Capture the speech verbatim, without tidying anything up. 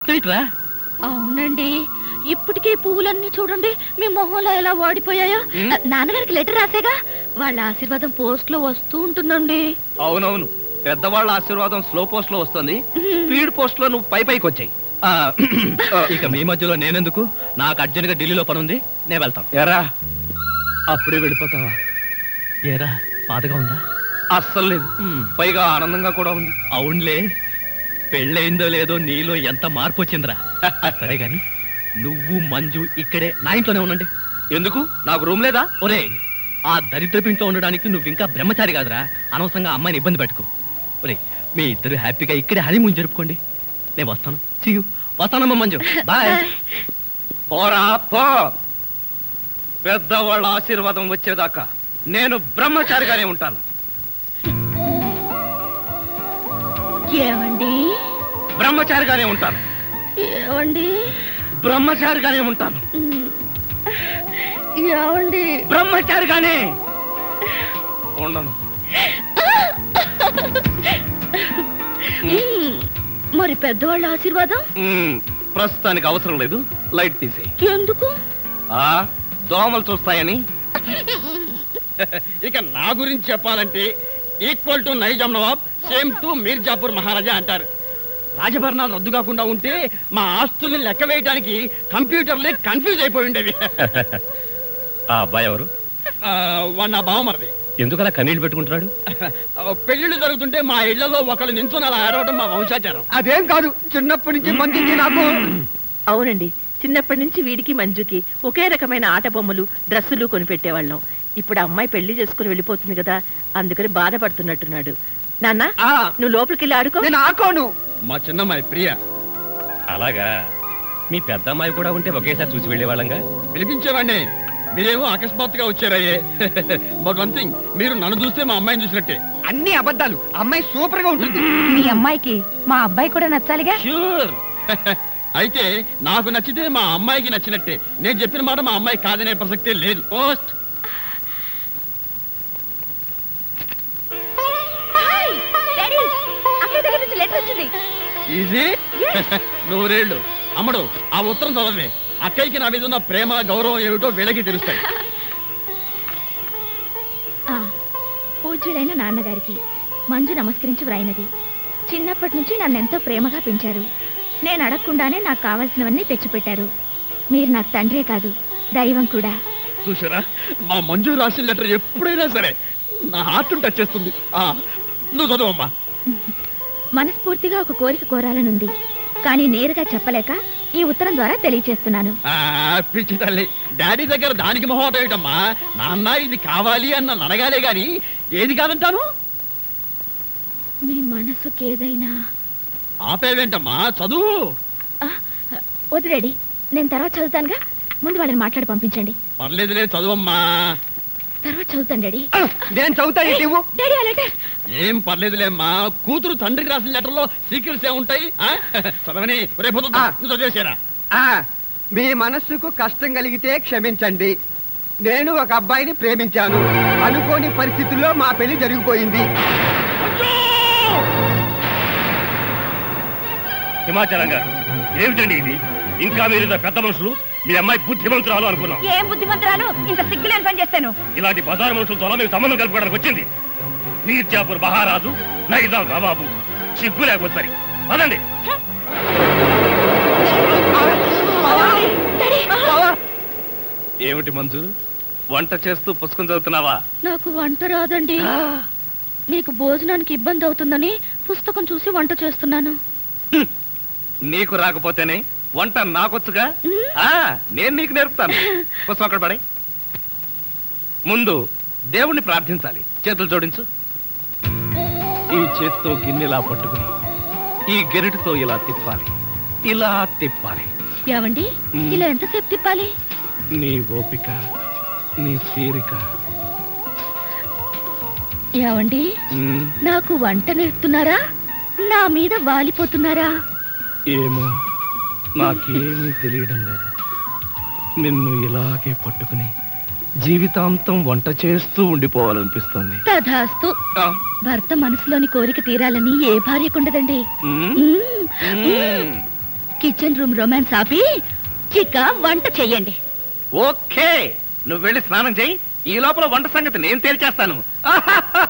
అర్థం ఇట్రా? అవునండి, ఇప్పటికే పువ్వులన్నీ చూడండి మీ మొహంలో ఎలా వాడిపోయాయో. నాన్నగారికి లెటర్ రాసేగా, వాళ్ళ ఆశీర్వాదం పోస్ట్ లో వస్తూ ఉంటుందండి. అవునవును, పెద్దవాళ్ళ ఆశీర్వాదం స్లో పోస్ట్ లో వస్తుంది, స్పీడ్ పోస్ట్ లో నువ్వు పై పైకి వచ్చాయి. ఇక మీ మధ్యలో నేనెందుకు? నాకు అర్జెంట్ గా ఢిల్లీలో పని ఉంది, నేను వెళ్తాను. ఎరా అప్పుడే వెళ్ళిపోతావా? ఏరా బాధగా ఉందా? అస్సలు లేదు, పైగా ఆనందంగా కూడా ఉంది. అవునులే, పెళ్ళయిందో లేదో నీలో ఎంత మార్పు వచ్చిందిరా. సరే గాని నువ్వు మంజు ఇక్కడే నా ఇంట్లోనే ఉండండి. ఎందుకు? నాకు రూమ్ లేదా? ఒరే, ఆ దరిద్రపు ఇంట్లో ఉండడానికి నువ్వు ఇంకా బ్రహ్మచారి కాదురా, అనవసరంగా అమ్మాయిని ఇబ్బంది పెట్టుకో. ఒరే, మీ ఇద్దరు హ్యాపీగా ఇక్కడే హనీమూన్ జరుపుకోండి. నేను వస్తాను. See you. వస్తానమ్మా మంజు, బాయ్. పోరా పో, పెద్దవాళ్ళ ఆశీర్వాదం వచ్చేదాకా నేను బ్రహ్మచారిగానే ఉంటాను. ఏమండి? బ్రహ్మచారిగానే ఉంటాను. ఏమండి? బ్రహ్మచారిగానే ఉంటాను. ఏమండి? బ్రహ్మచారిగానే ఉండను. మరి పెద్దవాళ్ళ ఆశీర్వాదం ప్రస్తుతానికి అవసరం లేదు, లైట్ తీసేయి. ఎందుకు? ఆ దోమలు చూస్తాయని. ఇక నా గురించి చెప్పాలంటే equal to Nizam Nawab, same to Mirzapur Maharaja అంటారు. రాజభరణాలు రద్దు కాకుండా ఉంటే మా ఆస్తుల్ని లెక్క వేయడానికి కంప్యూటర్లే కన్ఫ్యూజ్ అయిపోయి ఉండేవి. ఆ అబ్బాయి ఎవరు? వాడు నా బావమరిది. ఎందుకలా కన్నీళ్లు పెట్టుకుంటున్నాడు? పెళ్లిళ్ళు జరుగుతుంటే మా ఇళ్లలో ఒకళ్ళు నించుని అలా ఆరవడం మా వంశాచారం. అదేం కాదు, చిన్నప్పటి నుంచి మంచికి నాకు. అవునండి, చిన్నప్పటి నుంచి వీడికి మంజుకి ఒకే రకమైన ఆట బొమ్మలు డ్రెస్సులు కొనిపెట్టేవాళ్ళం. ఇప్పుడు అమ్మాయి పెళ్లి చేసుకుని వెళ్ళిపోతుంది కదా, అందుకని బాధపడుతున్నట్టున్నాడు. నాన్న, నువ్వు లోపలికి వెళ్ళి ఆడుకో. నేను ఆడుకోను. మా చిన్నమ్మాయి ప్రియ. అలాగా, మీ పెద్ద అమ్మాయి కూడా ఉంటే ఒకేసారి చూసి వెళ్ళేవాళ్ళంగా. పిలిపించేవాడిని, మీరేమో అకస్మాత్తుగా వచ్చారయ్యే. బట్ వన్ థింగ్, మీరు నన్ను చూస్తే మా అమ్మాయిని చూసినట్టే. అన్ని అబద్ధాలు, అమ్మాయి సూపర్ గా ఉంటుంది. మీ అమ్మాయికి మా అబ్బాయి కూడా నచ్చాలిగా. ష్యూర్. అయితే నాకు నచ్చితే మా అమ్మాయికి నచ్చినట్టే. నేను చెప్పిన మాట మా అమ్మాయి కాదనే ప్రసక్తే లేదు. పోస్ట్. ఈజీ. నూరేళ్ళు. అమ్మడు, ఆ ఉత్తరం చదవే. అక్కయ్యకి నా మీద ఉన్న ప్రేమ గౌరవం ఏమిటో వీళ్ళకి తెలుస్తాయి. పూజ్యులైన నాన్నగారికి మంజు నమస్కరించి వ్రాయినది. చిన్నప్పటి నుంచి నన్నెంతో ప్రేమగా పెంచారు. నేను అడగకుండానే నాకు కావాల్సినవన్నీ తెచ్చిపెట్టారు. మీరు నాకు తండ్రే కాదు, దైవం కూడా. చూసారా, మా మంజు రాసిన లెటర్ ఎప్పుడైనా సరే నా హార్ట్ టచ్ చేస్తుంది. నువ్వు చదవమ్మా. మనస్ఫూర్తిగా ఒక కోరిక కోరాలనుంది, కానీ నేరుగా చెప్పలేక ఈ ఉత్తరం ద్వారా తెలియచేస్తున్నాను. పిచ్చి తల్లి, డాడీ దగ్గర దానికి మొహమాట ఏమిటమ్మా? నాన్న ఇది కావాలి అన్న నడగాలే గాని ఏది కాదంటాను. మీ మనసుకి ఏదైనా. ఆపేవేంటమ్మా, చదువు. వదిలేడి, నేను తర్వాత చదువుతానుగా, ముందు వాళ్ళని మాట్లాడి పంపించండి. పర్లేదులే, చదువమ్మా. తర్వాత చదువుతాను డాడీ. నేను చదువుతాను. డాడీ ఆ లెటర్. ఏం పర్లేదులేమ్మా, కూతురు తండ్రికి రాసిన లెటర్లో సీక్రెట్స్ ఏముంటాయి? చదవని రేపు చదివేసారా? మీ మనస్సుకు కష్టం కలిగితే క్షమించండి. నేను ఒక అబ్బాయిని ప్రేమించాను. అనుకోని పరిస్థితుల్లో మా పెళ్లి జరిగిపోయింది. హిమాచలం గారు, ఏమిటండి ఇది? ఇంకా మీరు పెద్ద మనుషులు, మీ అమ్మాయి బుద్ధిమంతురాలు అనుకున్నాం. ఏం బుద్ధిమంతురాలు? ఇంత సిగ్గులేని పని చేస్తాను. ఇలాంటి బజారు మనుషులతో మీకు సంబంధం కలుపుకోవడానికి వచ్చింది. మీర్జాపూర్ మహారాజు, నైజాం నవాబు. సిగ్గు లేకపోతే సరి పదండి. ఏమిటి మంజు, వంట చేస్తూ పుస్తకం చదువుతున్నావా? నాకు వంట రాదండి. నీకు భోజనానికి ఇబ్బంది అవుతుందని పుస్తకం చూసి వంట చేస్తున్నాను. నీకు రాకపోతేనే వంట నాకొచ్చుగా. నేను నీకు నేర్పుతాను. పుస్తకం అక్కడ పడే. ముందు దేవుణ్ణి ప్రార్థించాలి. చేతులు జోడించు. ఈ చేతితో గిన్నెలా పట్టుకుని ఈ గెరిటితో ఇలా తిప్పాలి, ఇలా తిప్పాలి. ఏవండి, ఇలా ఎంతసేపు తిప్పాలి? నీ ఓపిక, నీ తీరిక. ఏవండి, నాకు వంట నేర్పుతున్నారా, నా మీద వాలిపోతున్నారా? ఏమో, నాకేమీ తెలియడం లేదు. నిన్ను ఇలాగే పట్టుకుని జీవితాంతం వంట చేస్తూ ఉండిపోవాలనిపిస్తుంది. తధాస్తు. భర్త మనసులోని కోరిక తీరాలని ఏ భార్యకుండదండి. కిచెన్ రూమ్ రొమాన్స్ ఆపి చిక్క వంట చెయ్యండి. ఓకే, నువ్వు వెళ్ళి స్నానం చేయి. ఈ లోపల వంట సంగతి నేను తేల్చేస్తాను.